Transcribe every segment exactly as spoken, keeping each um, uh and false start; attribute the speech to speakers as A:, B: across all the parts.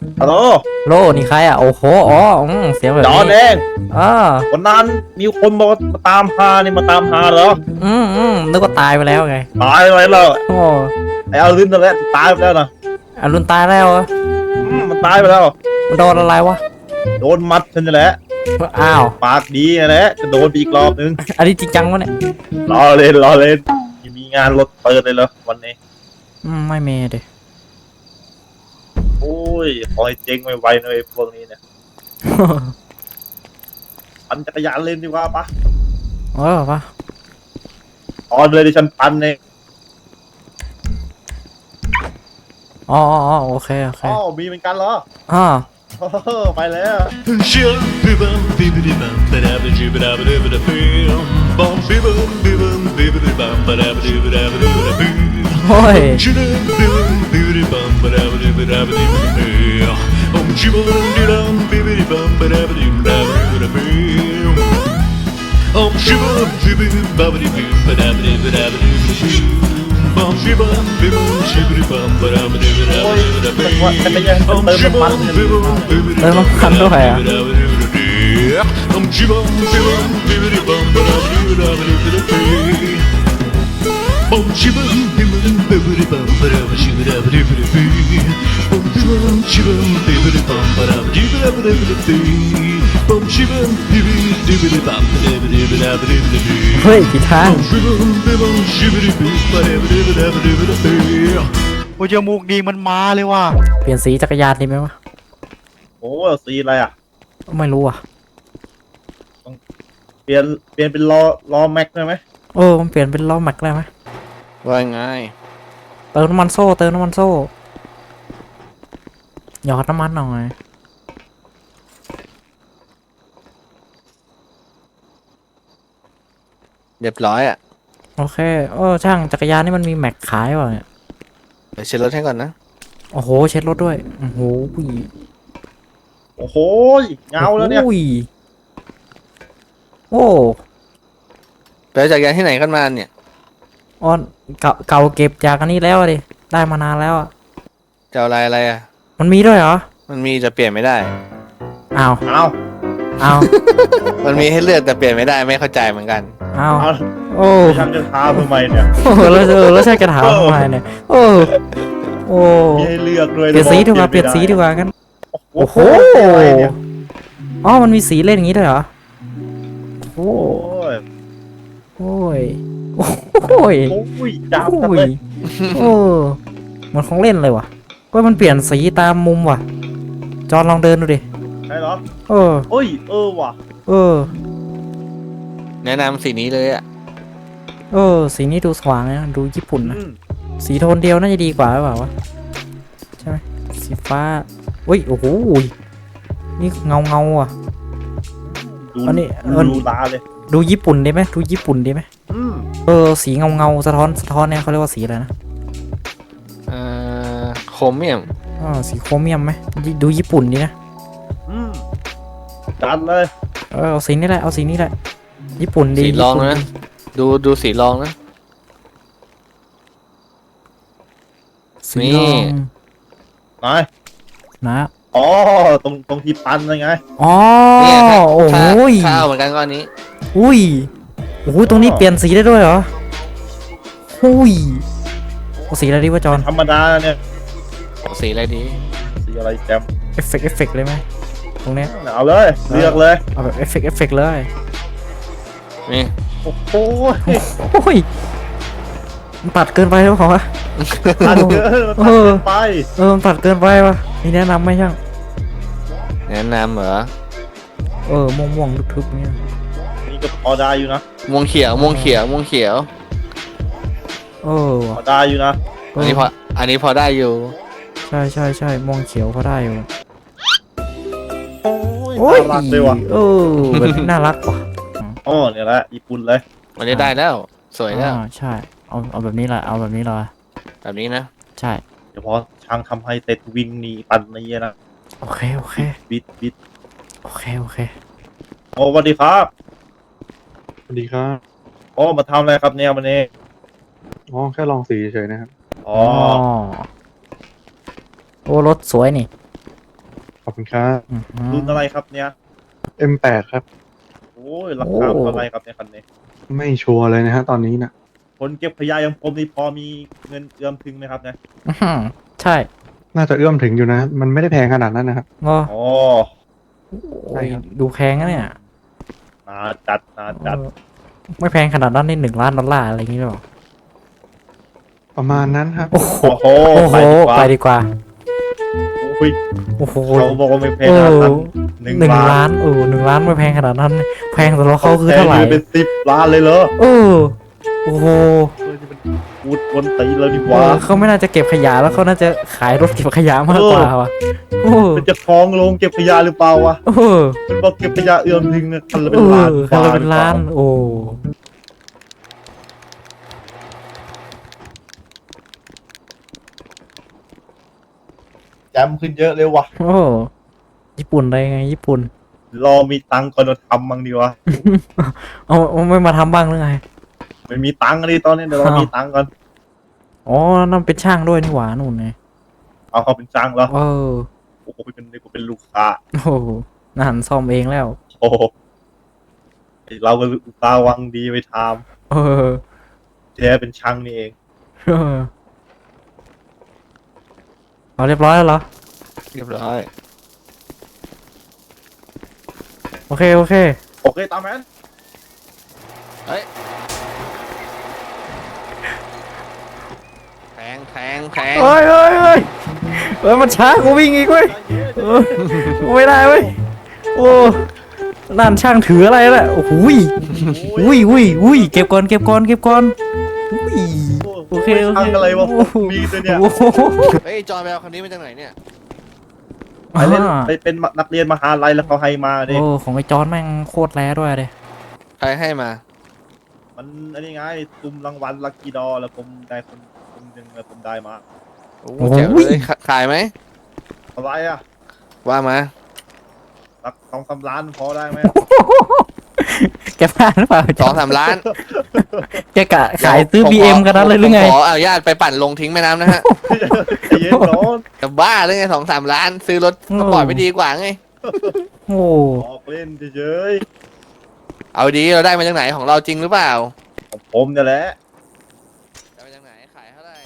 A: ฮัลโหล
B: โลนี่ใครอ่ะโอ้โหอ๋ออืมเสียงแบบ
A: จอน
B: นี้
A: เอง
B: อ่า
A: วันนั้นมีคนบอกว่ามาตามหานี่มาตามหาเหรอ
B: อืมอืมนึกว่าตายไปแล้วไง
A: ตายไปแล้ว
B: โอ้
A: ไอ้อารินนั่นแหละตายไปแล้วนะ
B: อรุณตายแล้วเหรอ
A: อืมมันตายไปแล้ว
B: มันโดนอะไรวะ
A: โดนมัดฉันนี่แหละ
B: อ้าว
A: ปากดีนะแหละจะโดนอีกรอบนึง
B: อันนี้จริงจังวะเนี่ย
A: รอเล่นรอเล่นมีงานรถเปิดเลยเหรอวันนี้
B: อืมไม่เมย์ดิ
A: โอ้ยขอให้เจ๊งไวๆหน่อยพวกนี้เนี่ยปั่นจักรยานเล่นดีกว่าปะ
B: เออปะ
A: ออนเลยดิฉันปั่นเอง
B: อ๋ออ๋อโอเคโอเค
A: อ๋อมีเหมือนกันเหรอ
B: อ่า
A: ไปแล้ว
B: โอ้ย
A: โอ้ยแต่ว่าจักรยานเติมน้ำมันเนี่ย
B: เติมน้ำมันด้วยอ่ะเฮ้ยผิดทาง
C: โอ้ยจมูกดีมันมาเลยว่ะ
B: เปลี่ยนสีจักรยานดีไหมวะ
A: โอ้สีอะไรอ่ะ
B: ไม่รู้อ่ะ
A: เปลี่ยนเปลี่ยนเป็นล้อล้อแม็กได้ไหม
B: เออมันเปลี่ยนเป็นล้อแม็กได้ไหม
C: ว่าไง
B: เติมน้ำมันโซ่เติมน้ำมันโซ่หยอดน้ำมันหน่อย
C: เรียบร้อยอ่ะ
B: โอเคเออช่างจักรยานนี่มันมีแม็กขายเปล่าเนี่ย
C: เดี๋ยวเช็ดรถให้ก่อนนะ
B: โอ้โหเช็ดรถด้วยโอ้โห
A: โอ้โหเงาแล้วเนี่ย
B: โอ้
C: ไปเอาจักรยานที่ไหนกันมาเนี่ย
B: อ๋อเก่าเก่าเก็บจากอันนี้แล้วดิได้มานานแล้วอ่ะ
C: จะเอาอะไรอะไรอ่ะ
B: มันมีด้วยเหรอ
C: มันมีจะเปลี่ยนไม่ได้
B: อ้าว
A: เอา
B: อ้าว
C: มันมีให้เลือกแต่เปลี่ยนไม่ได้ไม่เข้าใจเหมือนกัน
B: อ้าว
A: เอา
B: โอ้
A: ฉันจะท้าทำไมเนี่ย
B: โอ้แล้วเออแล้วใช่กระถางทำไมเนี่ยโอ้โอ้
A: มีให้เลือกด้วย
B: เปลี่ยนสีดีกว่าเปลี่ยนสีดีกว่ากันโอ้โหอ๋อมันมีสีเล่นอย่างนี้ด้วยเหรอโอ้
A: ย
B: โอ้ยโอ้ย
A: โอ้ยจับ
B: โอ้
A: เลย
B: โอ้มันของเล่นเลยว่ะก็มันเปลี่ยนสีตามมุมว่ะจอนลองเดินดูดิ
A: ใช่เหรอ
B: เออ
A: โอ้ยเออว่ะ
B: เออ
C: แนะนำสีนี้เลยอ่ะ
B: เออสีนี้ดูสว่างนะดูญี่ปุ่นนะสีโทนเดียวน่าจะดีกว่าหรือเปล่าวะใช่ไหมสีฟ้าอุ้ยโอ้โหนี่เงาเงาอ่ะอันนี้
A: ดูตาเลย
B: ดูญี่ปุ่นได้ไหมดูญี่ปุ่นได้ไหมเออสีเงาเงาสะท้อนสะท้อนเนี่ยเขาเรียกว่าสีอะไรนะ
C: เอ่อโครเมียม
B: อ๋อสีโครเมียมไหมดูญี่ปุ่นดีนะ
A: จัดเลย
B: เออเอาสีนี้แหละเอาสีนี้แหละญี่ปุ่นดี
C: สีรองนะดูดูสีรองนะ
B: สีรอง
A: ไหน
B: นะ
A: อ๋อตรงตรงที่ปันเลยไง
B: อ๋อโอ้โห
C: ข้าวเหมือนกันก้อนนี้
B: อุ้ยโอ้โหตรงนี้เปลี่ยนสีได้ด้วยเหรออุ้ยเอาสีอะไรดีวะจอน
A: ธรรมดาเนี่ย
C: สีอะไรดี
A: สีอะไรแจม
B: เอฟเฟกต์เอฟเฟกต์เลยไหมตรงเนี้ย
A: เอาเลยเลือกเลย
B: เอาแบบเอฟเฟกต์เอฟเฟกต์เลย
C: นี่
A: โอ้โห
B: โอ้ยมันตัดเกินไปหรือเปล่าวะ
A: ตัดเกินตัดเกินไป
B: เออมันตัดเกินไปวะมีแนะนำไหมช่าง
C: แนะนำเหรอ
B: เออม่วงม่วงทึบๆเนี่ย
A: นี่ก็พอได้อยู่นะ
C: ม่วงเขียวม่วงเขียวม่วงเขียว
B: เออ
A: พอได้อยู่นะ
C: อันนี้พออันนี้พอได้อยู่
B: ใช่ใช่ใช่ม่วงเขียวพอได้อยู่
A: โอ้ยน่ารักเลยว่ะ
B: เออแบบน่ารักว่ะ
A: อ๋อเนี่ยแหละญี่ปุ่นเลย
C: วันนี้ได้แล้วสวยแล้ว
B: ใช่เอาเอาแบบนี้แหละเอาแบบนี้เลย
C: แบบนี้นะ
B: ใช่
A: เดี๋ยวพอช่างทำให้เสร็จวิ่งหนีปั่นนี่นะ
B: โอเคโอเค
A: บิดบิด
B: โอเคโอเค
A: โอ้สวัสดีครับ
D: สวัสดีครับ
A: โอ้มาทำอะไรครับเนี่ยวันนี้
D: อ๋อแค่ลองสีเฉยๆนะครับ
A: อ๋อ
B: โอ้รถสวยนี่
D: อบคุณครับ
B: อื้อหือ
A: รุ่นอะไรครับเนี่ย
D: เอ็ม แปด ครับ
A: โอ้ยราคาเท่าไหรครับเนี่ยคันนี้
D: ไม่ชัวร์เลยนะฮะตอนนี้นะ
A: คนเก็บขยะอย่างผมนี่พอมีเงินเอื้อมถึงไหมครับเนี่ย
B: อื้อหือใช่
D: น่าจะเอื้อมถึงอยู่นะ มันไม่ได้แพงขนาดนั้นนะครับ
B: ก็
A: อ๋อ
D: ใช่ครับ
B: ดูแพงนะเนี่ย
A: นาจัดนาจัด
B: เออไม่แพงขนาดนั้นนี่หนึ่งล้านดอลลาร์อะไรอย่างงี้หรอ
D: ประมาณนั้นครับ
B: โอ้โห
A: โอ้โห
B: โอ้โห
A: ไป
B: ไป
A: ดี
B: ดีกว่า
A: โอ้ย
B: โอ้โห
A: เขาบอกว่าไม่แพง
B: เอ
A: ขนาด
B: อ
A: นั้นหนึ่ง
B: หนึ่ง
A: ล้า
B: ล้าน นเออหนึ่งล้านไม่แพงขนาดนั้น แพงสำหรับเขาคือเท่าไหร่
A: แพงเป็นสิบล้านเลยเหรอ
B: เออโอ้โห
A: เออนี่มันพูดวนตีแล้วดีก
B: เอ
A: ว่า
B: อเขาไม่น่าจะเก็บขยะแล้วเขาน่าจะขายรถเก็บขยะมากกว่าว่ะโอ้
A: มันจะฟ้องลงเก็บขยะหรือเปล่าวะ
B: เออ
A: มันบอกเก็บขยะเอื้อมถึงนะคันละ
B: เอ
A: เป็นล้าน
B: อคันละเป็นล้าน โอ้
A: แจมขึ้นเยอะเลยวะ
B: โอ้ญี่ปุ่นได้ไงญี่ปุ่น
A: รอมีตังค์ก่อนเราทำมั้งดีวะ
B: เอาเอาไม่มาทำบ้างหรือไง
A: ไม่มีตังค์เลยตอนนี้เดี๋ยวเรา
B: อ้าว
A: มีตังค์ก่อน
B: อ๋อนั่นเป็นช่างด้วยนี่หว่านู่นไง
A: เอาเขาเป็นจ้างแล้ว
B: เออ
A: โอ้โหเป็นนี่กูเป็นลูกค้า
B: โอ้โหน่าหันซ่อมเองแล้ว
A: โอ้โหไอ้เราก็อุตส่าห์หวังดีไปท
B: เออ
A: ำแท้เป็นช่างนี่เอง
B: เออเอาเรียบร้อยแล้วเหรอ
C: เรียบร้อย
B: โอเค โอเค
A: โอเคตามแมน
C: แทงแทงแทง
B: เฮ้ยเฮ้ยเฮ้ยเฮ้ยมันช้ากูวิ่งอีกเว้ยเออไม่ได้เว้ย โอ้นั่นช่างถืออะไรล่ะ โอ้โหยอุ้ยอุ้ยอุ้ยเก็บก่อน เก็บก่อน เก็บก่อนอุ้ย โอเคโอเค
A: ช่างอะไรวะมีตัวเนี่ย
B: โอ้โห
C: เฮ้ยจอยไปเอาคันนี้มาจากไหนเนี่ย
A: ไปเล่นไปเป็นนักเรียนมหาลัยแล้วเขาให้มาดิ
B: โอ้ของไอ้จอนแม่งโคตรแร้ด้วยเลย
C: ใครให้มา
A: มันอันนี้ไงตุ่มรางวัลลัคกี้ดอแล้วผมได้คนคนหนึ่งแล้วผมได้มา
C: โอ้โหแจ๋วเลยขาขายไหม
A: อะไรอ่ะ
C: ว่ามา
A: สักสองสามล้านพอได้ไหม
B: แกพลาดหรือเปล่า
C: สองสามล้าน
B: แกกะขายซื้อ
C: ผม
B: บี
C: ข
B: เอ็มกันนั้นเลยหรือไง
C: ผมขออนุญาตไปปั่นลงทิ้งแม่น้ำนะฮะ
A: ใจเย็นน้อง
C: จะบ้าหรือไงสองสามล้าน ซื้อรถก็ปล่อยไม่ดีกว่าไง
B: โอ้
A: ออกเล่นเฉย
C: เอาดีเราได้มาจากไหนของเราจริงหรือเปล่า
A: ๆของผมเนี่ยแหละ
C: ได้มาจากไหนขายเท่าไหร่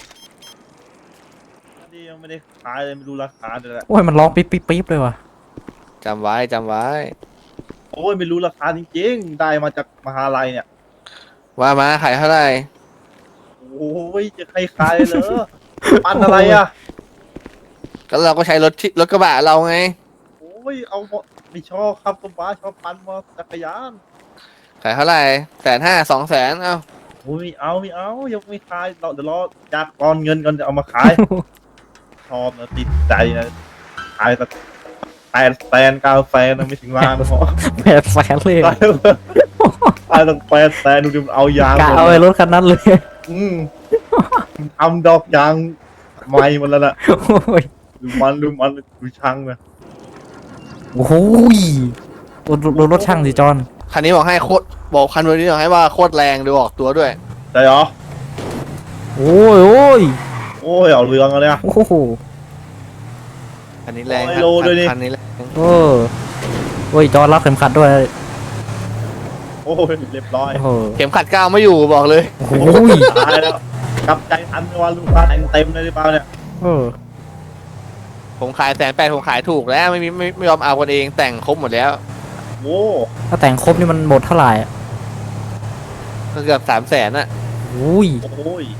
A: นี่ยังไม่ได้ขายเลยไม่รู้ราคาเลยแหละ
B: โอ้ยมันร้องปิ๊บปิ๊บปิ๊บเลยว่ะ
C: จำไว้จำไว้
A: โอ้ยไม่รู้ราคาจริงๆได้มาจากมหาลัยเนี่ย
C: ว่ามาขายเท่าไหร่
A: โอ้ยจะใครขายเหรอปันอะไรอ่ะ
C: ก็เราก็ใช้รถที่รถกระบะเราไง
A: โอ้ยเอาหมดไม่ชอบครับสมบ้าชอบปันมอจักรยาน
C: ขายเท่าไหร่แสนห้าสองแสนเอ้า
A: โอ้ยไม่เอาไม่เอายังไม่ขายเราเดี๋ยวรอจากกอนเงินก่อนจะเอามาขาย ชอบนะติดใจนะขายสักแปดแสนเก้าแสนนะไม่ถึงล้านพอ
B: แปดแสนเลย
A: ขายขายตั้งแปดแสนดูดิมันเอายาง
B: กะ
A: หมด
B: เอาไอ้รถคันนั้นเลย
A: อืมทำดอกยางไม้มันแล้วน่ะ
B: โอ้ย
A: ดูมันดูมันดูช่างนะ
B: โอ้โหยดูดูดูรถช่างสิจอน
C: คันนี้บอกให้โคตรบอกคันนี้บอกให้ว่าโคตรแรงดูออกตัวด้วย
A: ใช่เหรอ
B: โอ้ยโอ้ย
A: โอ้ยเอาเรื่องแล้วเนี่ย
B: โอ้โห
C: คันนี้แรง
A: ร้อยโลด้วยนี่
C: คันนี้แรง
B: เออโอ้ยจอนรัดเข็มขัดด้วย
A: โอ้ยเรียบร้อย
B: โอ้โห
C: เข็มขัดก้าวไม่อยู่บอกเลย
B: โอ้โห
A: ตายแล้วกลับใจทันว่าลูกค้าแต่งเต็มเลยหรือเปล่าเนี่ย
B: เออ
C: ผมขายแสนแปดผมขายถูกแล้วไม่มีไม่ไม่ยอมเอากันเองแต่งครบหมดแล้ว
A: โอ้
B: ถ้าแต่งครบนี่มันหมดเท่าไหร่อะ
C: ก็เกือบสามแสนอะ
B: โอ้ย
A: โอ้ย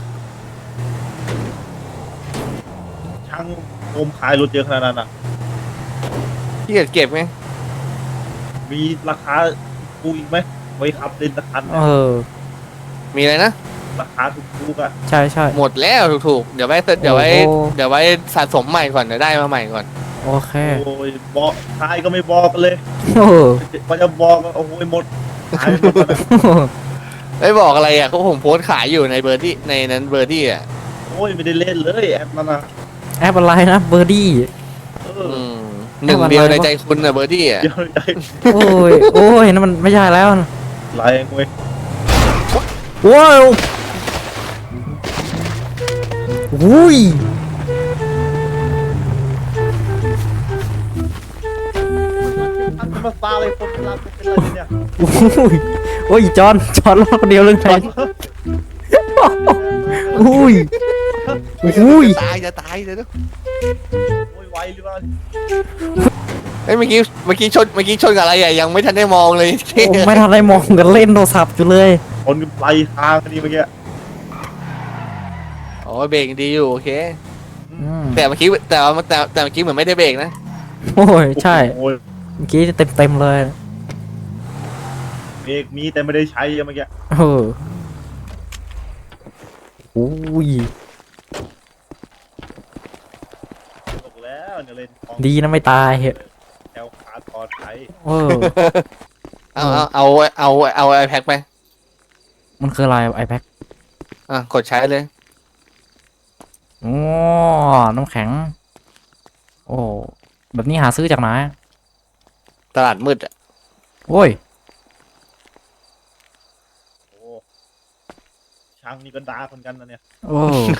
A: ช่างผมขายรถเยอะขนาดนั้นอ่ะ
C: ที่เก็บเก็บไง
A: มีราคาถูกอีกไหมไว้ขับเล่นราคา
B: เออ
C: มีอะไรนะ
A: ราคาถูกๆอ่ะ
B: ใช่ใช่
C: หมดแล้วถูกๆเดี๋ยวไว้เดี๋ยวไว้
B: โอ้โห
C: เดี๋ยวไว้สะสมใหม่ก่อนเดี๋ยวได้มาใหม่ก่อน
B: โอเค
A: โอ้ยบอกขายก็ไม่บอกกันเลย
B: โอ้โห
A: พอจะบอกก็โอ้ยหมดขายหมดแล้วนะ
C: ไม่บอกอะไรอ่ะเขาผมโพสต์ขายอยู่ในเบอร์ที่ในนั้นเบอร์ที่อ่ะ
A: โอ้ยไม่ได้เล่นเลยแอปนั้นนะ
B: แอปอะไรนะเบอร์ดี้
A: เอ
C: อื
A: อ
C: มหนึ่งเดียวในใจคุณอ่ะเบอร์ที่อ่ะ
A: เดี๋ยวใจ
B: โอ้ยโอ้ยนั่นมันไม่ใช่แล้วนะ
A: ไรเว้ย
B: ว้าวอุ้ย
A: มาปาเลยคนเป็นลาเป็นอะไรเนี่ย
B: โอ้ยโอ้ยจอนจอนรอดคนเดียวเรื่องไงอุ้ยอุ้ย
C: ตายจะตายเลยนะ
A: โอ้ยไวหรือเปล่า
C: เอ้ยเมื่อกี้เมื่อกี้ชนเมื่อกี้ชนกับอะไรอ่ะยังไม่ทันได้มองเลย
B: ผมไม่ทันได้มองกันเล่นโทรศัพท์อยู่เลย
A: คนกันไปทางนี่เมื่อกี้
C: โอ้ยเบรกดีอยู่โอเค
B: อืม
C: แต่เมื่อกี้แต่ว่าแต่แต่เมื่อกี้เหมือนไม่ได้เบรกนะ
B: โอ้ยใช่
A: โอ้ย
B: เมื่อกี้เต็มเต็มๆเลย
A: เบรกมีแต่ไม่ได้ใช้เมื่อกี้
B: เอออุ้ย
A: ตกแล้วเนี่ยเล่นของ
B: ดีนะไม่ตายเหอะ
A: แถวขาดปลอดภัย
B: เออ
C: เอาเอาเอาเอาเอาไอแพ็คไป
B: มันคืออะไรไอแพ็ค
C: อ่ะกดใช้เลย
B: โอ้น้ำแข็ง โอ้แบบนี้หาซื้อจากไหน
C: ตลาดมืดอ่ะ
B: โอ้ย
A: โอ้ช่างนี่ก็ด่าคนกันนะเนี่ย
B: โอ้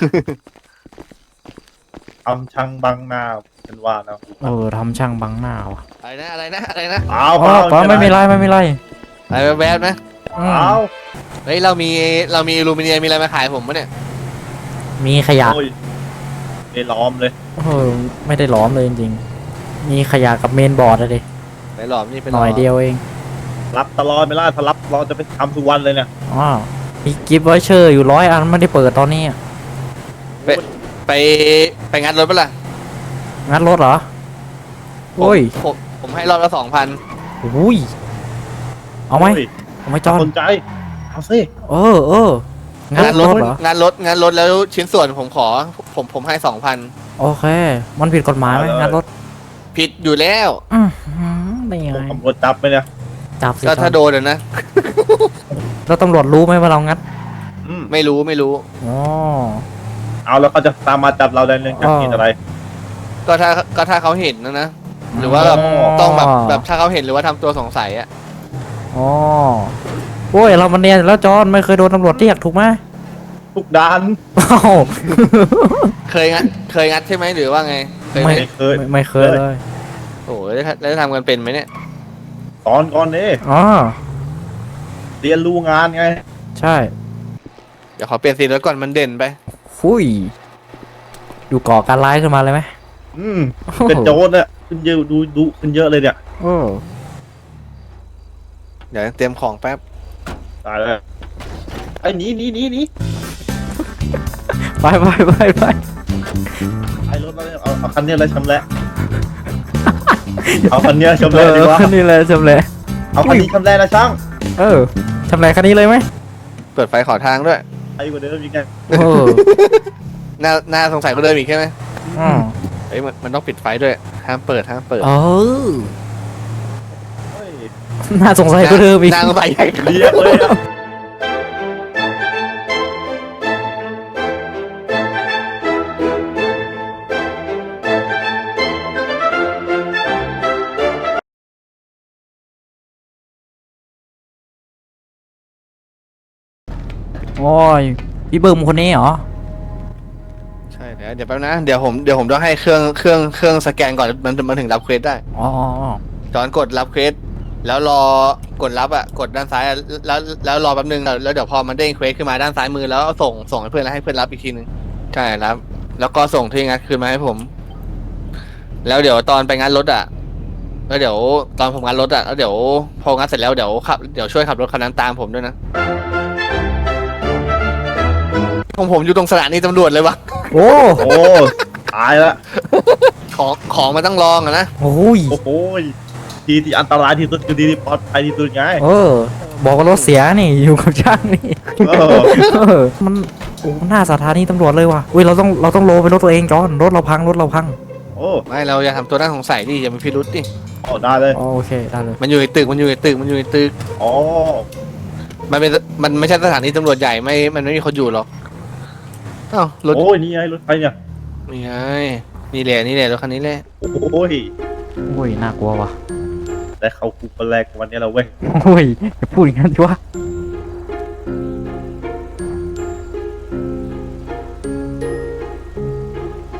A: ทำช่างบังหน้าเป็นว่านะ
B: เออทำช่างบังหน้าว่ะ
C: อะไรนะอะไรนะอะไรนะ
A: เอา
B: อ๋อปะไม่มีไรไม่มีไร
C: อะไรแวบๆนะ
B: อืม
A: เอา
C: เฮ้ยเรามีเรามีอลูมิเนียมมีอะไรมาขายผมปะเนี่ย
B: มีขยะ
A: โอ้ยไม่ล้อมเลย
B: เออไม่ได้หล้อมเลยจริงๆ มีขยะกับเมนบอร์ดอะดิ
C: ไปหลอมนี่ไป
B: หน่อยเดียวเอง
A: รับตลอดไม่ล่ะถ้ารับเราจะไปทำทุกวันเลยเนี่ย
B: อ๋อมีกิฟต์วอเชอร์อยู่ร้อยอันไม่ได้เปิดตอนนี้อะ
C: ไปไปงัดรถปะล่ะ
B: งัดรถเหรอ โอ้ย
C: ผมผมให้รอบละสองพัน
B: อุ้ย เอาไหม
A: โย
B: เอาไหมจอน
A: สนใจเอาสิ
B: เออเอองัด
C: งาน
B: ร
C: ร
B: ถ
C: ถ
B: เหรอ
C: งานรถงานรถแล้วชิ้นส่วนผมขอ ผมผมให้สองพัน
B: โอเค มันผิดกฎหมายไหมงัดรถ
C: ผิดอยู่แล้ว
B: อืมได้ยังไง
A: ตำรวจจับไปเนี่ย
B: จับสิ
C: ก็ถ้า
B: จ
C: โด
B: อน
C: นอะนะ
B: แล้วตำรวจรู้ไหมว่าเรางัด
A: อืม
C: ไม่รู้ไม่รู้
B: อ๋อ
A: เอาแล้วเขาจะตามมาจับเราได้เรื่องจาก
B: อ๋อ
A: ผิดอะไร
C: ก็ถ้าก็ถ้าเขาเห็นนะนะ หรือว่าแบบ
A: อ๋อ
C: ต้องแบบแบบถ้าเขาเห็นหรือว่าทำตัวสงสัยอะ
B: อ๋อโอ้ยเรามันเนียนแล้วจอนไม่เคยโดนตำรวจเรียกถูกไหม
A: ทุกด้าน
B: อ้าว
C: เคยงัดเคยงัดใช่ไหมหรือว่าไงเคยไหม
B: ไม่
A: ไม่เคย
B: ไม่ไม่เคยเลย
C: โอ้ยแล้วจะทำกันเป็นไหมเนี่ย
A: ตอนก่อนนี่
B: อ๋อ
A: เรียนรู้งานไง
B: ใช่
C: เดี๋ยวขอเปลี่ยนสีรถก่อนมันเด่นไป
B: ฟุยดูก่อการร้ายขึ้นมาเลยไหม
A: อืมเป็นโจรเนี่ยขึ้นเยอะดูดูขึ้นเยอะเลยเนี่ย
B: โอ้
C: เดี๋ยวเตรียมของแป๊บ
A: ตายแล้วไอ้หนีหนีหนีหนี
B: ไปไปไปไป
A: ไอ้รถมาเลยเอาเอาคันนี้เลยชำแหละเอาคันนี้ชำ
B: เอ
A: แหละดี
B: อก
A: ว่า
B: คันนี้เลยชำแหละ
A: เอาคันนี้ชำแหละนะช่าง
B: เออชำแหละคันนี้เลยไหม
C: เปิดไฟขอทางด้วย
A: ไอ้กว่าเดิมอีกไง
B: โอ้
C: น่าน่าสงสัยก็เดิมอีกใช่ไหม
B: อืม
C: เฮ้ยมันมันต้องปิดไฟด้วยห้ามเปิดห้ามเปิด
B: เออ
A: เฮ้ย
B: น่าสงสัยก็เดิมอีก
C: น่าสงสัยใหญ่
A: เรียกเลยอะ
B: โอ้ยพี่เบิ้มคนนี้เหรอ
C: ใช่เดี๋ยวเดี๋ยวแป๊บนะเดี๋ยวผมเดี๋ยวผมต้องให้เครื่องเครื่องเครื่องสแกนก่อนมันมันถึงรับเควสได้
B: อ๋ออ๋ออ๋อ
C: จอนกดรับเควสแล้วรอกดรับอ่ะกดด้านซ้ายอะแล้วแล้วรอแป๊บนึงแล้วแล้วเดี๋ยวพอมันเด้งเควสขึ้นมาด้านซ้ายมือแล้วเอาส่งส่งให้เพื่อนแล้วให้เพื่อนรับอีกทีนึงใช่รับแล้วก็ส่งที่งัดคืนมาให้ผม แล้วเดี๋ยวตอนไปงัดรถอ่ะแล้วเดี๋ยวตอนผมงัดรถอ่ะแล้วเดี๋ยวพองัดเสร็จแล้วเดี๋ยวขับเดี๋ยวช่วยขับรถคันนั้นตามผมด้วยนะของผมอยู่ตรงสถานีตำรวจเลยวะ
B: โอ้
A: โอ้ตายละ
C: ของของมันต้องลองอะนะ
B: โอ้ย
A: โอ้โหทีที่อันตรายที่สุดคือทีที่ปลอดภัยที่สุดไง
B: เออ บอกว่ารถเสียนี่อยู่กับช่างนี่
A: เออ
B: เออมันโอ้หน้าสถานีตำรวจเลยว่ะอุ้ยเราต้องเราต้องโลไปรถตัวเองจอนรถเราพังรถเราพัง
A: โอ้
C: ไม่เราอย่าทำตัวน่าสงสัยดิอย่ามีพิรุษดิ
A: โอ้ได้เลย
B: อ๋อโอเคได้เลย
C: มันอยู่ในตึกมันอยู่ในตึกมันอยู่ในตึก
A: อ๋อ
C: มันเป็นมันไม่ใช่สถานีตำรวจใหญ่ไม่มันไม่มีคนอยู่หรอกอ้าวรถ
A: โอ้ยนี่ไงรถไฟเนี่ย
C: นี่ไงนี่แหละนี่แหละรถคันนี้แหละ
A: โอ้ย
B: โอ้ยน่ากลัวว่ะ
A: แต่เขาคุกคนแรกวันนี้เราเว้ย
B: โอ้ยอย่าพูดอย่างนั้นสิวะ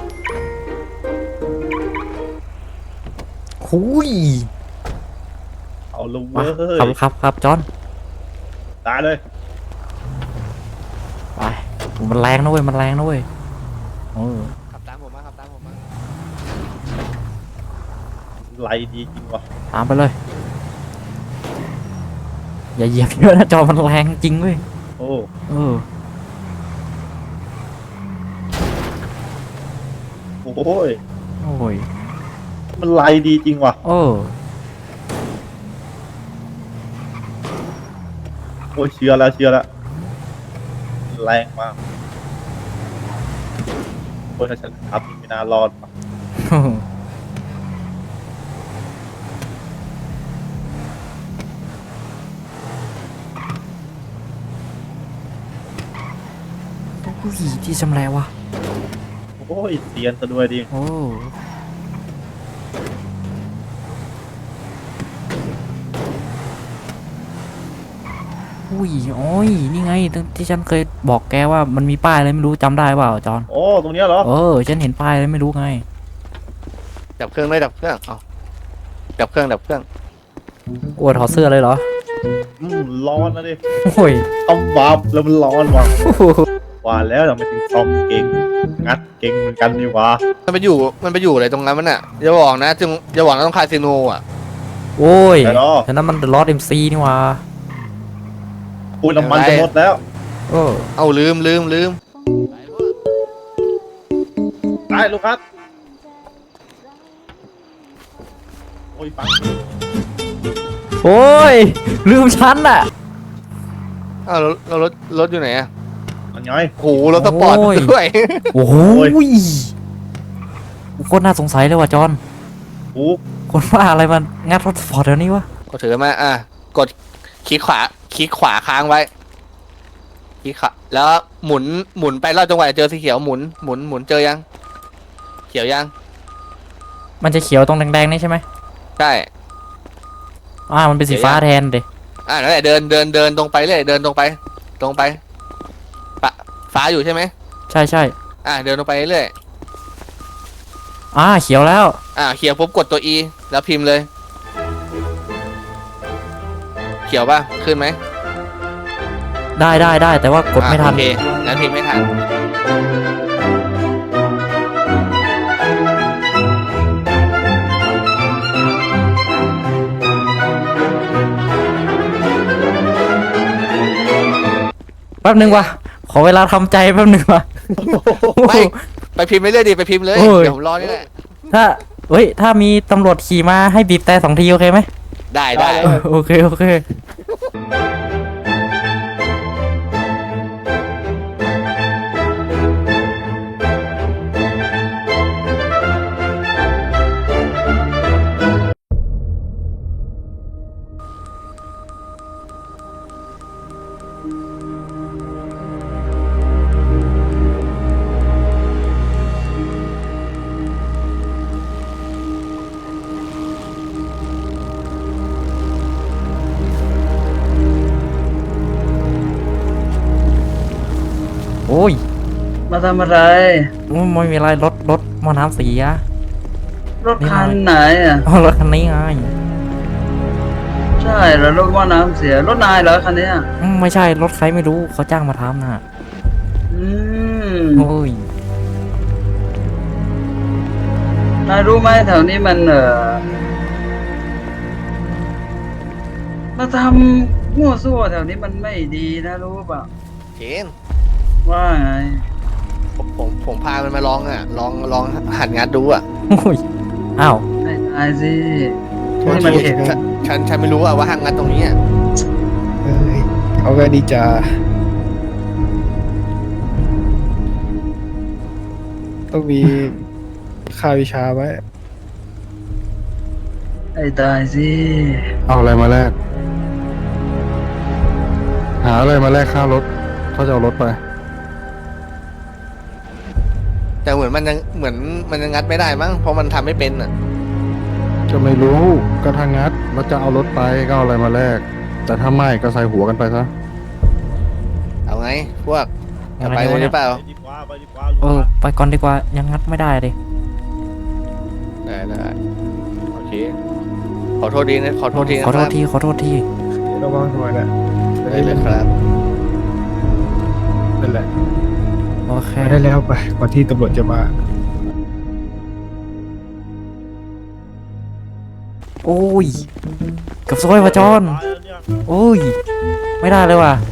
B: หุย
A: ลุง
B: มา
A: เว้ย
B: ขับขับขับจอน
A: ตายเลย
B: ไปมันแรงนะเว้ยมันแรงนะเว้ยเออ
C: ขับตามผมมาขับตามผมมา
A: ไหลดีจริงวะ
B: ตามไปเลย อย่าเหยียบเยอะนะจอมันแรงจริงเว้ย
A: โอ้
B: เออ
A: โอ้ย
B: โอ้ย
A: มันไหลดีจริงวะ
B: เออ
A: โอ้ยเชื่อแล้วเชื่อแล้วแรงมากโอ้ยถ้าฉันขับนี่ไม่น่ารอดว่ะ
B: อุ้ยที่ชำแหละวะ
A: โอ้ยเตียนซะด้วยดิ
B: โอ้อุ้ยโอ้ยนี่ไงตั้งที่ฉันเคยบอกแกว่ามันมีป้ายอะไรไม่รู้จำได้เปล่าจอน
A: โอ้ตรงเนี้ยเหรอ
B: เออฉันเห็นป้ายอะไรไม่รู้ไง
C: ดับเครื่องเลยดับเครื่องเอาดับเครื่องดับเครื่อง
B: กลัวถอดเสื้อเลยเหรอ
A: อืมร้อนนะดิ
B: โอ้ย
A: ต้องวาบแล้วมันร้อนว่ะว่าแล้วเราไม่ถึงซ่อมเก่งงัดเก่งเหมือนกันดีวะ
C: มันไปอยู่มันไปอยู่อะไรตรงนั้นมันอ่ะอย่าบอกนะจึงอย่าบอกนะต้องคาสิโนอ่ะ
B: โอ้ย
A: แต่เนาะ
B: ฉะนั้นมันลอดเอ็มซีนี่หว่า
A: พูดน้ำมันจะหมดแล้ว
B: เออ
C: เอาลืมลืมลืม
A: ตายลูกครับโอ้ยปัง
B: โอ้ยลืมฉันอ่ะ
C: เอารถเรารถรถอยู่ไหนอ่ะ
A: มันไง
C: โหรถสปอร์ต
B: โอ้ย
C: ด้วย
B: โอ้โห
A: โอ้ย
B: โคตรน่าสงสัยเลยว่ะจอน
A: โอ้
B: คนว่าอะไรมันงัดรถสปอร์ตเดี๋ยวนี้วะ
C: ก็ถือมาอ่ะกดคลิกขวาคลิกขวาค้างไว้คลิกขวาแล้วหมุนหมุนไปรอบจังหวะเจอสีเขียวหมุนหมุนหมุนเจอยัง เขียวยัง
B: มันจะเขียวตรงแดงๆนี่ใช่ไหม
C: ใช่
B: อ่ามันเป็นสีฟ้าแทนเดย
C: อ่ะนั่นแหละเดินเดินเดินตรงไปเลยเดินตรงไป ตรงไปปะฟ้าอยู่ใช่ไหม
B: ใช่ใช่
C: อ่ะเดินตรงไปเรื่อย
B: อ่าเขียวแล้ว
C: อ่ะเขียวปุ๊บกดตัว E แล้วพิมพ์เลย เขียวป่ะขึ้นไหม
B: ได้ได้ได้แต่ว่ากดไม่ทัน
C: อ่ะโอเคงั้นพิมพ์ไม่ทัน
B: แป๊บนึงวะขอเวลาทำใจแป๊บนึงวะ
C: ไม่ไปพิมพ์ไปเรื่อยดิไปพิมพ์เลย
B: โอ้ย
C: เดี๋ยวผมรอนี่แหละ
B: ถ้าเฮ้ยถ้ามีตำรวจขี่มาให้บีบแต่สองทีโอเคไหม
C: ได้ได้
B: เออโอเคโอเค โอ้ย
E: มาทำอะไร
B: ไม่มีอะไรรถรถมอน้ำเสีย
E: รถคันไหนอ่ะ
B: อ๋อรถคันนี้ไง
E: ใช่แล้วรถว่าน้ำเสีย รถนายเหรอคันเนี้ย
B: อืมไม่ใช่รถใครไม่รู้เขาจ้างมาทำน่ะ
E: อืม
B: โอ้ย
E: นายรู้ไหมแถวนี้มันเออมาทำมั่วซั่วแถวนี้มันไม่ดีนะรู้ป่ะ
C: เคน
E: ว่าไง
C: ผมผมผมพามันมาลองอ่ะ ลองลองหัดงัดดูอ่ะ
B: โอ้ยอ้าว
E: ให้ตายสิ
C: โทษ
E: นี่มัน
C: ที
E: เห็น
C: ฉันฉันฉันไม่รู้อ่ะว่าหัดงัดตรงนี้อ่ะ
F: เอ้ยเขาก็ดีจ้าต้องมีค่าวิชาไว้
E: ให้ตายสิ
D: เอาอะไรมาแลกหาอะไรมาแลกค่ารถเขาจะเอารถไป
C: แต่เหมือนมันยังเหมือนมันยังงัดไม่ได้มั้งเพราะมันทำไม่เป็นอ่ะ
D: จะไม่รู้ก็ทางงัดแล้วจะเอารถไปก็เอาอะไรมาแลกแต่ถ้าไม่ก็ใส่หัวกันไปซะ
C: เอาไง พวกจะไป
B: อะไร
C: เล
B: วะ
C: ย
B: เนี่
C: หรือเปล่า
A: ไปดีกว่าไปดีกว่าลูก
B: เออ
A: ครับ
B: ไปก่อนดีกว่ายังงัดไม่ได้เลย
C: ได้ได้โอเคขอโทษทีนะขอโทษทีนะ
B: ขอโทษ
C: ครับ
B: ทีขอโทษที
F: ระวังหน่อยนะ
C: ได้เลยครับ
F: นั่นแหละ
B: โอเค
F: ไปได้แล้วไปก่อนที่ตำรวจจะมา
B: โอ้ยเกับซวยว่ะจอนโอ้ยไม่ได้เลยว่ะ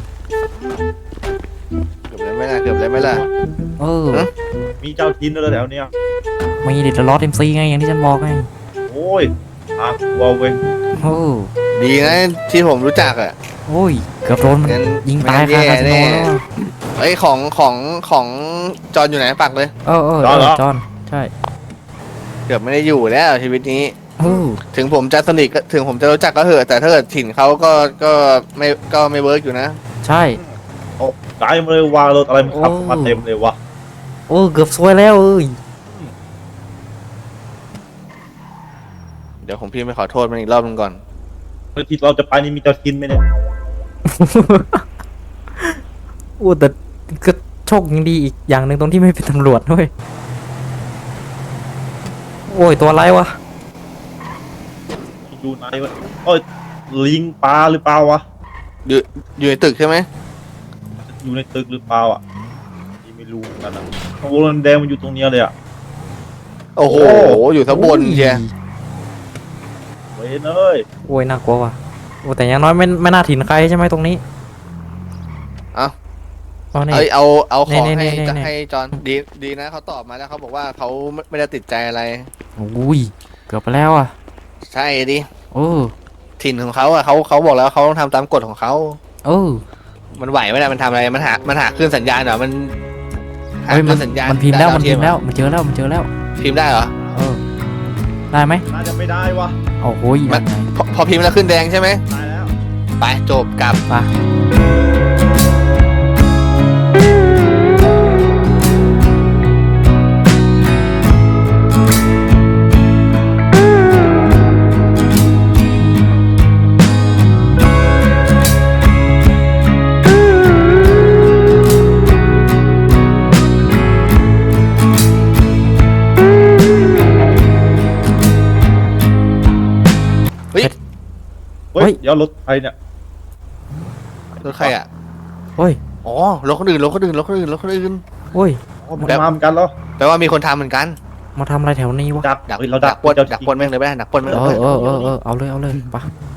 C: เกือบเลยไหมล่ะเกือบเลยไหมล่ะ
B: เออ
C: ฮะ
A: มีเจ้าทินด้วยแถวเนี้ย
B: มีเด็ดลอสเอ็มซีไงอย่างที่ฉันบอกไง
A: โอ้ยทางกลัวเว้ย
B: โอ้
C: ดีนะที่ผมรู้จักอ่ะ
B: โอ้ยเกือบโดนมัน
C: งั้น
B: ยิงตาย
C: ไม่
B: คา
C: งั้น
B: คาสิโน
C: แน่
B: แล้วอะ
C: ไอ้ยของของของจอนอยู่ไหนปักเลย
B: เออเออเออจอนใช่
C: เกือบไม่ได้อยู่แล้วชีวิตนี้
B: โอ้
C: ถึงผมจะสนิทก็ถึงผมจะรู้จักก็เหอะแต่ถ้าเกิดถิ่นเขาก็ก็ไม่ก็ไม่เวิร์กอยู่นะ
B: ใช่
A: โอ้ตายมาเลยวางรถอะไรมันขับมาเต็มเลยวะ
B: โอ้เกือบซวยแล้วเอ้ย
C: เดี๋ยวผมพี่ไม่ขอโทษมันอีกรอบนึงก่อน
A: เมื่อที่เราจะไปนี่มีเจ้าทินไหมเนี่ย
B: โอ้แต่ก็โชคยังดีอีกอย่างหนึ่งตรงที่ไม่เป็นตำรวจด้วยโอ้ยตัวอะไรวะ
A: อยู่ไหนวะโอ้ยลิงปลาหรือเปล่าวะ
C: อยู่อยู่ในตึกใช่ไหม
A: อยู่ในตึกหรือเปล่าอ่ะนี่ไม่รู้เหมือนกันนะข้างบนแดงมันอยู่ตรงเนี้ยเลยอ่ะ
C: โอ้โห อยู่ทั้งบนเชีย
A: เว้ยเอ้ย
B: โอ้ยน่ากลัวว่ะโอ้แต่อย่างน้อยไม่ไม่น่าถิ่นใครใช่ไหมตรงนี้
C: เอ้า
B: เอาเนี่ย
C: เอ้ยเอาเอาของ
B: นี่
C: ให้
B: นี่นี่
C: ให้จอนดีดีนะเขาตอบมาแล้วเขาบอกว่าเขาไม่ไม่ได้ติดใจอะไร
B: อุ้ยเกือบไปแล้วอ่ะ
C: ใช่ดิ
B: โอ้
C: ถิ่นของเขาอะเขาเขาบอกแล้วเขาต้องทำตามกฎของเขา
B: เออ
C: มันไหวไหมล่ะมันทำอะไรมันหามันหาคลื่นสัญญาณเหรอมันหา
B: เฮ้ย
C: ค
B: มั
C: ลื่
B: น
C: นสัญญาณ
B: มันพิมพ์แล้วมันพิมพ์
C: ดา
B: แล้ว
C: เทีย
B: มันเจอแล้วมันเจอแล้ว
C: พิมพ์ได้เหรอ
B: เออได้ไหม
A: น่าจะไม่ได้วะ
B: โอ้โหย
C: มั
B: ยั
C: น
B: งไง
C: พอพอพิมพ์แล้วขึ้นแดงใช่ไหม
A: ตายแล้ว
C: ไปจบกลับ
B: ไป
A: เฮ้ยเดี๋ยวรถใครเนี่ย
C: รถใครอะ
B: โอ้ย
C: อ๋อรถคนอื่นรถคนอื่นรถคนอื่นรถคนอื่น
B: โอ้ย
A: อ๋อมันมาเหมือนกันเหรอ
C: แปลว่ามีคนทำเหมือนกัน
B: มาทำอะไรแถวนี้วะ
A: ดัก
C: ดัก
A: เฮ้ยเรา
C: ดั
A: ดั
C: ก
A: ก
C: ปล้น
A: เจ้า
C: ดักปล้นแม่งเลยไหมดักปล้นแม่ง
B: เอ
C: เลย
B: อเออเออเออเอาเลยเอาเลยไป